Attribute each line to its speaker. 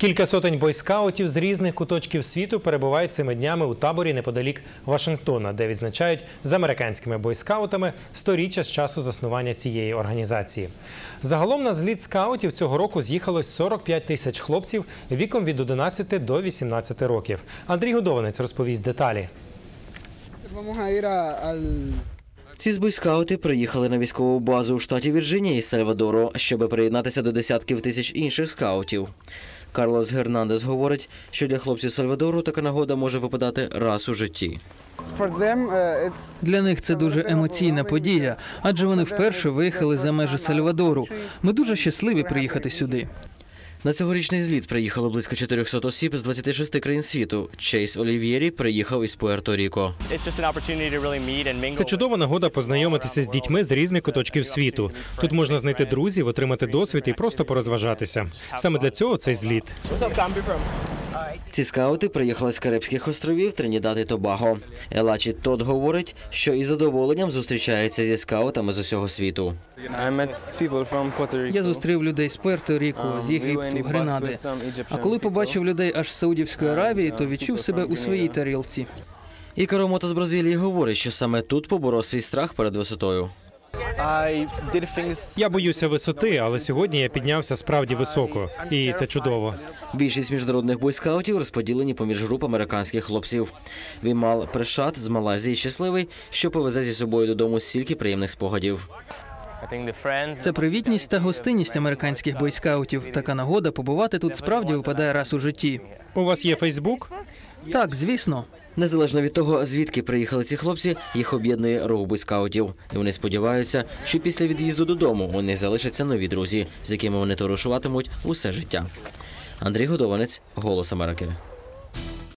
Speaker 1: Кілька сотень бойскаутів з різних куточків світу перебувають цими днями у таборі неподалік Вашингтона, де відзначають з американськими бойскаутами 100-річчя з часу заснування цієї організації. Загалом на зліт скаутів цього року з'їхалось 45 тисяч хлопців віком від 11 до 18 років. Андрій Годованець розповість деталі.
Speaker 2: Ці бойскаути приїхали на військову базу у штаті Вірджинія із Сальвадору, щоб приєднатися до десятків тисяч інших скаутів. Карлос Гернандес говорить, що для хлопців Сальвадору така нагода може випадати раз у житті.
Speaker 3: Для них це дуже емоційна подія, адже вони вперше виїхали за межі Сальвадору. Ми дуже щасливі приїхати сюди.
Speaker 2: На цьогорічний зліт приїхало близько 400 осіб з 26 країн світу. Чейз Олів'єрі приїхав із Пуерто-Ріко.
Speaker 1: Це чудова нагода познайомитися з дітьми з різних куточків світу. Тут можна знайти друзів, отримати досвід і просто порозважатися. Саме для цього цей зліт.
Speaker 2: Ці скаути приїхали з Карибських островів Тринідад і Тобаго. Елачі Тод говорить, що із задоволенням зустрічається зі скаутами з усього світу.
Speaker 3: Я зустрів людей з Пуерто-Ріко, з Єгипту, Гренади. А коли побачив людей аж з Саудівської Аравії, то відчув себе у своїй тарілці.
Speaker 2: Ікаро Мото з Бразилії говорить, що саме тут поборов свій страх перед висотою.
Speaker 1: Я боюся висоти, але сьогодні я піднявся справді високо. І це чудово.
Speaker 2: Більшість міжнародних бойскаутів розподілені поміж груп американських хлопців. Вімал Прешат з Малайзії щасливий, що повезе зі собою додому стільки приємних спогадів.
Speaker 3: Це привітність та гостинність американських бойскаутів. Така нагода побувати тут справді випадає раз у житті.
Speaker 1: У вас є Фейсбук?
Speaker 3: Так, звісно.
Speaker 2: Незалежно від того, звідки приїхали ці хлопці, їх об'єднує рух бойскаутів. І вони сподіваються, що після від'їзду додому у них залишаться нові друзі, з якими вони товаришуватимуть усе життя. Андрій Годованець, «Голос Америки».